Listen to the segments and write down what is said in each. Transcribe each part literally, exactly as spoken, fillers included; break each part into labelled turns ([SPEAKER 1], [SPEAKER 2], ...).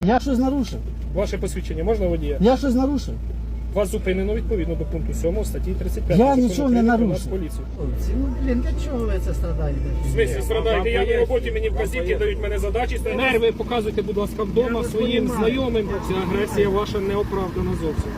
[SPEAKER 1] Я щось нарушив.
[SPEAKER 2] Ваше посвідчення можна водія?
[SPEAKER 1] Я щось нарушив.
[SPEAKER 2] Вас зупинено відповідно до пункту сьомого статті тридцять п'ять.
[SPEAKER 1] Я нічого не нарушив.
[SPEAKER 2] Поліцію.
[SPEAKER 1] Ну, блін, для чого ви це страдаєте?
[SPEAKER 2] В смислі страдаєте? Я на роботі, мені вказівки дають мене задачі. Нерви показуйте, будь ласка, вдома своїм знайомим. Ця агресія ваша не оправдана зовсім.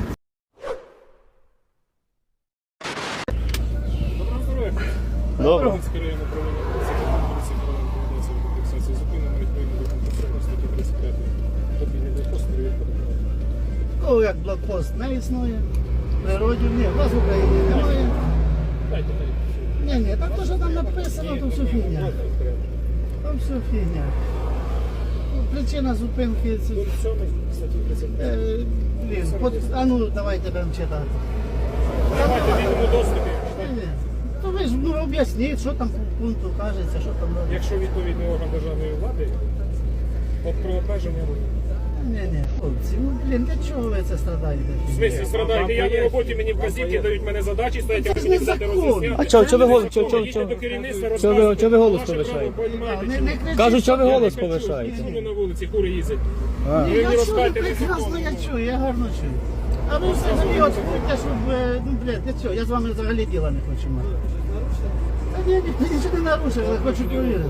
[SPEAKER 2] Доброго здоров'я.
[SPEAKER 1] Добре.
[SPEAKER 2] Луганське районне управління поліції поліції фіксації зупинено відповідно до пункту сьомого статті тридцять п'ять. Мобільний блокпост, перевірка документів.
[SPEAKER 1] Кого як блокпост не існує? В природі ні, у вас в Україні немає.
[SPEAKER 2] Дайте, дайте.
[SPEAKER 1] Ні, ні, так то, що там написано, то все фігня. Там все фігня. Ну, причина зупинки це...
[SPEAKER 2] Пункт сьомий статті тридцять п'ять.
[SPEAKER 1] Е, блін, от, а ну давайте будемо читати.
[SPEAKER 2] Давайте в вільному доступі.
[SPEAKER 1] Ні, ні. То ви ж ну, об'ясніть, що там по пункту кажеться, що там робить.
[SPEAKER 2] Якщо відповідний орган державної влади, от про обмеження руху.
[SPEAKER 1] Ні, ні, хлопці, ну блін, для чого ви це страдаєте?
[SPEAKER 2] В смислі страдаєте? Я на роботі, мені вказівки дають мене задачі, стоять, я
[SPEAKER 1] Це ж
[SPEAKER 2] мені
[SPEAKER 1] не
[SPEAKER 2] все
[SPEAKER 1] закон.
[SPEAKER 2] роз'ясняти.
[SPEAKER 3] А чого, чого ви голос, чого, чого,
[SPEAKER 2] Їдьте
[SPEAKER 3] чого?
[SPEAKER 2] до керівництва,
[SPEAKER 3] Чого ви-
[SPEAKER 2] розказуйте,
[SPEAKER 3] чого ви голос
[SPEAKER 2] ваше
[SPEAKER 3] повишаєте?
[SPEAKER 2] право, понімаєте,
[SPEAKER 1] Не,
[SPEAKER 2] чи
[SPEAKER 1] не
[SPEAKER 2] ні?
[SPEAKER 1] кричіть.
[SPEAKER 3] Кажуть, що ви
[SPEAKER 2] Я
[SPEAKER 3] голос
[SPEAKER 2] не кричу,
[SPEAKER 3] повишаєте.
[SPEAKER 2] я чую на вулиці, кури їздять.
[SPEAKER 3] А.
[SPEAKER 1] Ні,
[SPEAKER 2] Ви
[SPEAKER 1] я
[SPEAKER 2] мені
[SPEAKER 1] чую,
[SPEAKER 2] розкажете
[SPEAKER 1] прекрасно я
[SPEAKER 2] незаконно.
[SPEAKER 1] чую, я гарно чую. А ви взагалі от будьте, щоб, е, ну блядь, для цього, я з вами взагалі діла не хочу мати. Та ні, ні, нічого не нарушив, я хочу перевірити.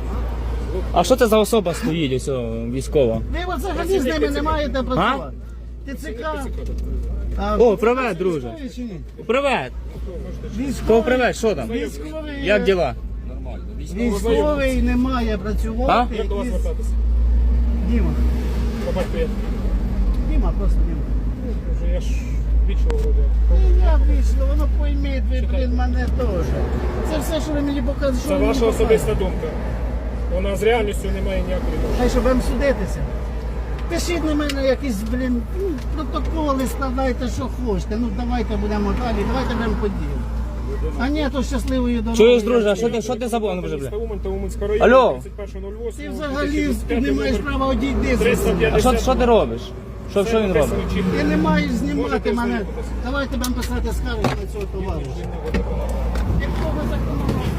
[SPEAKER 3] А що це за особа стоїть, ось о, військова?
[SPEAKER 1] Ви от взагалі з ними не маєте працювати. ТЦК. А,
[SPEAKER 3] О, привет, друже.
[SPEAKER 1] військові чи ні?
[SPEAKER 3] Привет!
[SPEAKER 1] Військовий-
[SPEAKER 3] Кого привет, що там?
[SPEAKER 1] Військовий,
[SPEAKER 3] Як діла?
[SPEAKER 1] Військовий не має працювати.
[SPEAKER 2] Як до вас
[SPEAKER 1] із-
[SPEAKER 2] звертатися?
[SPEAKER 1] Діма.
[SPEAKER 2] По батьку я.
[SPEAKER 1] Діма, просто Діма.
[SPEAKER 2] Вже я ж вічого вроде.
[SPEAKER 1] Ні, я вийшло, воно пойміть, ви, блін, мене теж. Це все, що ви мені показуєте. що
[SPEAKER 2] Це
[SPEAKER 1] ви мені
[SPEAKER 2] ваша
[SPEAKER 1] показуєте.
[SPEAKER 2] особиста думка. Вона з реальністю не має ніякої відношення.
[SPEAKER 1] Хай, щоб вам судитися. Пишіть на мене якісь, блін, ну, протоколи, складайте, що хочете. Ну, давайте будемо далі, давайте будемо подіяти. А ні, то щасливої дороги.
[SPEAKER 3] Чуєш, друже, а що ти, що ти забув? Ну, вже, бля.
[SPEAKER 2] Міста Умань та Уманська району,
[SPEAKER 3] Алло.
[SPEAKER 2] тридцять перше нуль восьме,
[SPEAKER 1] Ти взагалі
[SPEAKER 2] дві тисячі
[SPEAKER 1] ти не маєш
[SPEAKER 2] номер
[SPEAKER 1] права одійти
[SPEAKER 2] триста
[SPEAKER 1] звідси.
[SPEAKER 2] п'ятдесят.
[SPEAKER 3] А що, що ти робиш? Що, що він робить?
[SPEAKER 1] Ти не маєш знімати
[SPEAKER 2] Можете
[SPEAKER 1] мене.
[SPEAKER 2] ознайомитися.
[SPEAKER 1] Давайте будемо писати скарги на цього товариша. Якщо ви законодавство.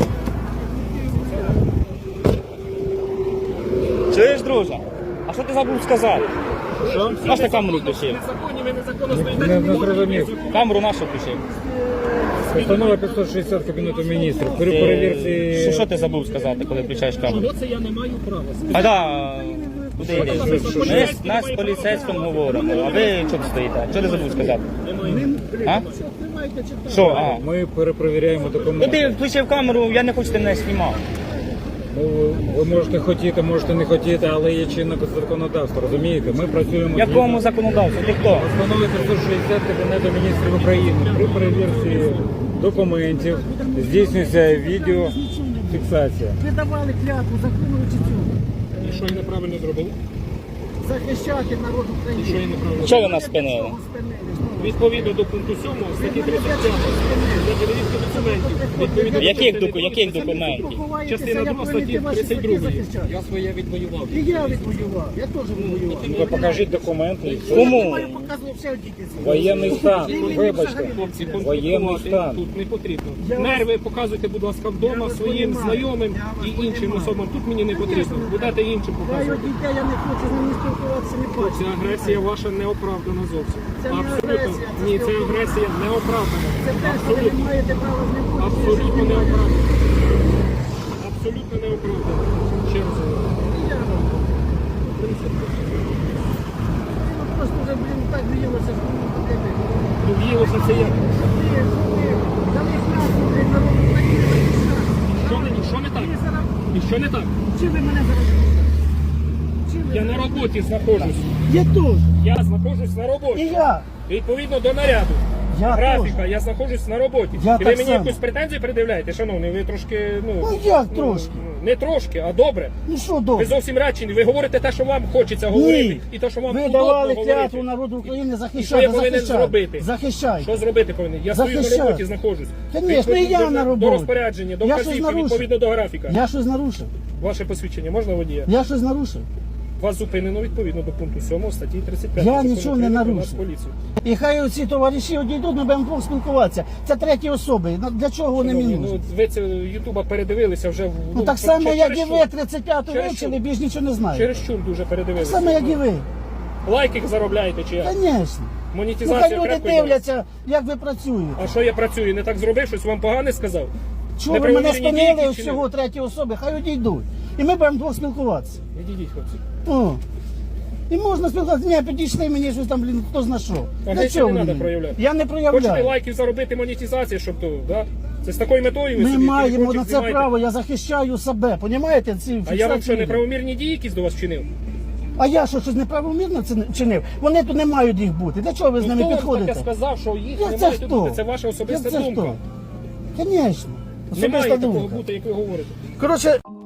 [SPEAKER 3] Чуєш, друже? А що ти забув сказати?
[SPEAKER 2] Що?
[SPEAKER 3] Наш на камеру включив.
[SPEAKER 2] Незаконні, ви незаконно стоїте.
[SPEAKER 4] Не, не зрозумів.
[SPEAKER 3] Камеру нашу включив.
[SPEAKER 4] Постанова п'ятсот шістдесят Кабінету міністрів. При
[SPEAKER 3] Що,
[SPEAKER 4] перевірці...
[SPEAKER 3] що ти забув сказати, коли включаєш камеру?
[SPEAKER 2] Чого це я не маю права?
[SPEAKER 3] А да, куди йдеш? Ми з нас з поліцейським говоримо, а ви чого стоїте? Що ти забув сказати? А? Що, а?
[SPEAKER 4] Ми перепровіряємо
[SPEAKER 3] Ну
[SPEAKER 4] документи.
[SPEAKER 3] ти включив камеру, я не хочу, ти мене знімав.
[SPEAKER 4] Ну, ви можете хотіти, можете не хотіти, але є чинне законодавство, розумієте? Ми працюємо...
[SPEAKER 3] Якому законодавству? Ти хто?
[SPEAKER 4] Постанови п'ятсот шістдесят Кабінету міністрів України. При перевірці документів здійснюється відеофіксація.
[SPEAKER 1] Ви давали клятву, законуючи цього.
[SPEAKER 2] І що я неправильно зробив?
[SPEAKER 1] Захищати народ
[SPEAKER 2] І що я
[SPEAKER 1] України.
[SPEAKER 2] неправильно
[SPEAKER 3] Чого ви нас спинили?
[SPEAKER 2] Відповідно до пункту сьомого статті тридцять п'ять для перевірки документів. Відповідно до
[SPEAKER 3] Яких,
[SPEAKER 2] частини
[SPEAKER 3] доку, яких документів?
[SPEAKER 2] Частина друга статті тридцять другої. Я своє відвоював.
[SPEAKER 1] І я відвоював, я теж відвоював.
[SPEAKER 4] Ну, ви покажіть документи.
[SPEAKER 3] Кому?
[SPEAKER 1] Я показував все діти.
[SPEAKER 4] Воєнний стан, вибачте.
[SPEAKER 2] Хлопці,
[SPEAKER 4] Воєнний
[SPEAKER 2] конфліктувати
[SPEAKER 4] стан.
[SPEAKER 2] тут не потрібно.
[SPEAKER 1] Я вас-
[SPEAKER 2] Нерви показуйте, будь ласка, вдома
[SPEAKER 1] вас
[SPEAKER 2] своїм
[SPEAKER 1] понімаю.
[SPEAKER 2] знайомим
[SPEAKER 1] Я вас
[SPEAKER 2] і іншим
[SPEAKER 1] понімаю.
[SPEAKER 2] особам. Тут мені не потрібно. Будете іншим
[SPEAKER 1] Я його
[SPEAKER 2] показувати.
[SPEAKER 1] дітей, я не хочу з ними спілкуватися, не
[SPEAKER 2] Ця
[SPEAKER 1] бачу.
[SPEAKER 2] агресія ваша не оправдана зовсім.
[SPEAKER 1] Це не
[SPEAKER 2] Абсолютно.
[SPEAKER 1] агресія, це
[SPEAKER 2] Ні, це
[SPEAKER 1] спілкування.
[SPEAKER 2] агресія не оправдана.
[SPEAKER 1] Це те, що ви не маєте права з ним бути.
[SPEAKER 2] Абсолютно не оправдана. Абсолютно не оправдана. Ще раз говорю.
[SPEAKER 1] Просто вже, блін, так виїлося, що мені потрібно.
[SPEAKER 2] Ну, в'їлося це як?
[SPEAKER 1] Ти, ти, дали клятву, блін, народ України захищати.
[SPEAKER 2] Що не, що не так?
[SPEAKER 1] Ви зараз,
[SPEAKER 2] І що не так?
[SPEAKER 1] чим ви мене зараз? Чим ви
[SPEAKER 2] Я на
[SPEAKER 1] зараз?
[SPEAKER 2] роботі знаходжусь.
[SPEAKER 1] Я теж.
[SPEAKER 2] Я знаходжусь на
[SPEAKER 1] І
[SPEAKER 2] роботі.
[SPEAKER 1] я.
[SPEAKER 2] Відповідно до наряду.
[SPEAKER 1] Я
[SPEAKER 2] Графіка, я знаходжусь на роботі.
[SPEAKER 1] Я
[SPEAKER 2] І ви
[SPEAKER 1] так
[SPEAKER 2] мені
[SPEAKER 1] само.
[SPEAKER 2] якусь претензію пред'являєте, шановний, ви трошки, ну...
[SPEAKER 1] Ну, як трошки?
[SPEAKER 2] ну, Не трошки, а добре.
[SPEAKER 1] Ну що
[SPEAKER 2] Ви
[SPEAKER 1] добре?
[SPEAKER 2] зовсім речені, ви говорите те, що вам хочеться говорити,
[SPEAKER 1] Ні.
[SPEAKER 2] і те, що вам
[SPEAKER 1] Ви
[SPEAKER 2] удобно
[SPEAKER 1] давали
[SPEAKER 2] говорити.
[SPEAKER 1] клятву народу України
[SPEAKER 2] І
[SPEAKER 1] захищати.
[SPEAKER 2] що я повинен
[SPEAKER 1] захищати.
[SPEAKER 2] зробити?
[SPEAKER 1] Захищайте.
[SPEAKER 2] Що зробити повинен? Я стою на
[SPEAKER 1] Захищати.
[SPEAKER 2] роботі, знаходжусь.
[SPEAKER 1] Конечно,
[SPEAKER 2] Відповідно
[SPEAKER 1] і я
[SPEAKER 2] до-
[SPEAKER 1] на роботі.
[SPEAKER 2] До розпорядження, до
[SPEAKER 1] Я щось
[SPEAKER 2] вказівки,
[SPEAKER 1] нарушив.
[SPEAKER 2] відповідно до графіка.
[SPEAKER 1] Я щось нарушив.
[SPEAKER 2] Ваше посвідчення можна водія?
[SPEAKER 1] Я щось нарушив.
[SPEAKER 2] Вас зупинено відповідно до пункту сьомого статті тридцять п'ять.
[SPEAKER 1] Я
[SPEAKER 2] Закону
[SPEAKER 1] нічого не
[SPEAKER 2] України про
[SPEAKER 1] нарушив.
[SPEAKER 2] Нацполіцію.
[SPEAKER 1] І хай оці товариші одійдуть, ми будемо двох спілкуватися. Це треті особи. Ну, для чого вони мені
[SPEAKER 2] Шановні,
[SPEAKER 1] нужні?
[SPEAKER 2] ну, ви це Ютуба передивилися вже в
[SPEAKER 1] Ну так само,
[SPEAKER 2] через
[SPEAKER 1] як і
[SPEAKER 2] що?
[SPEAKER 1] ви, тридцять п'яту
[SPEAKER 2] Через
[SPEAKER 1] вивчили,
[SPEAKER 2] що?
[SPEAKER 1] більш нічого не знаєте.
[SPEAKER 2] Через чур дуже
[SPEAKER 1] Так
[SPEAKER 2] передивилися.
[SPEAKER 1] само, як і ви.
[SPEAKER 2] Лайки заробляєте чи як?
[SPEAKER 1] Звісно. Ну,
[SPEAKER 2] Монетизація
[SPEAKER 1] хай люди
[SPEAKER 2] крепко йде.
[SPEAKER 1] дивляться, як ви працюєте.
[SPEAKER 2] А що я працюю? Не так зробив, щось вам погане сказав?
[SPEAKER 1] Чого ви мене
[SPEAKER 2] Неправомірні
[SPEAKER 1] спинили
[SPEAKER 2] дії
[SPEAKER 1] ось
[SPEAKER 2] вчинив?
[SPEAKER 1] цього третьої особи, хай одійдуть. І ми будемо двох спілкуватися.
[SPEAKER 2] Відійдіть, хлопці.
[SPEAKER 1] О. І можна спілкуватися. Ні, підійшли мені щось там, блін, хто зна що. Для
[SPEAKER 2] Агресію
[SPEAKER 1] чого
[SPEAKER 2] не
[SPEAKER 1] ви
[SPEAKER 2] треба
[SPEAKER 1] мені?
[SPEAKER 2] проявляти.
[SPEAKER 1] Я не
[SPEAKER 2] Хочете
[SPEAKER 1] проявляю.
[SPEAKER 2] лайків заробити, монетизацію, щоб то, да? Це з такою метою ви
[SPEAKER 1] Ми
[SPEAKER 2] собі
[SPEAKER 1] маємо
[SPEAKER 2] телефончик
[SPEAKER 1] на це
[SPEAKER 2] знімаєте?
[SPEAKER 1] право, я захищаю себе. Понімаєте? Ці
[SPEAKER 2] А я вам
[SPEAKER 1] фіксації
[SPEAKER 2] що,
[SPEAKER 1] відео.
[SPEAKER 2] неправомірні дії якісь до вас вчинив?
[SPEAKER 1] А я що, щось неправомірно це чинив? Вони тут не мають їх бути. Для чого ви з
[SPEAKER 2] Ну,
[SPEAKER 1] ними
[SPEAKER 2] хто вам
[SPEAKER 1] підходите?
[SPEAKER 2] таке сказав, що їх
[SPEAKER 1] Як це
[SPEAKER 2] немає тут
[SPEAKER 1] хто?
[SPEAKER 2] бути? Це ваша особиста
[SPEAKER 1] Як це
[SPEAKER 2] думка.
[SPEAKER 1] хто? Звісно.
[SPEAKER 2] Немає
[SPEAKER 1] Особиста
[SPEAKER 2] такого
[SPEAKER 1] думка.
[SPEAKER 2] бути, як ви говорите.
[SPEAKER 1] Коротше,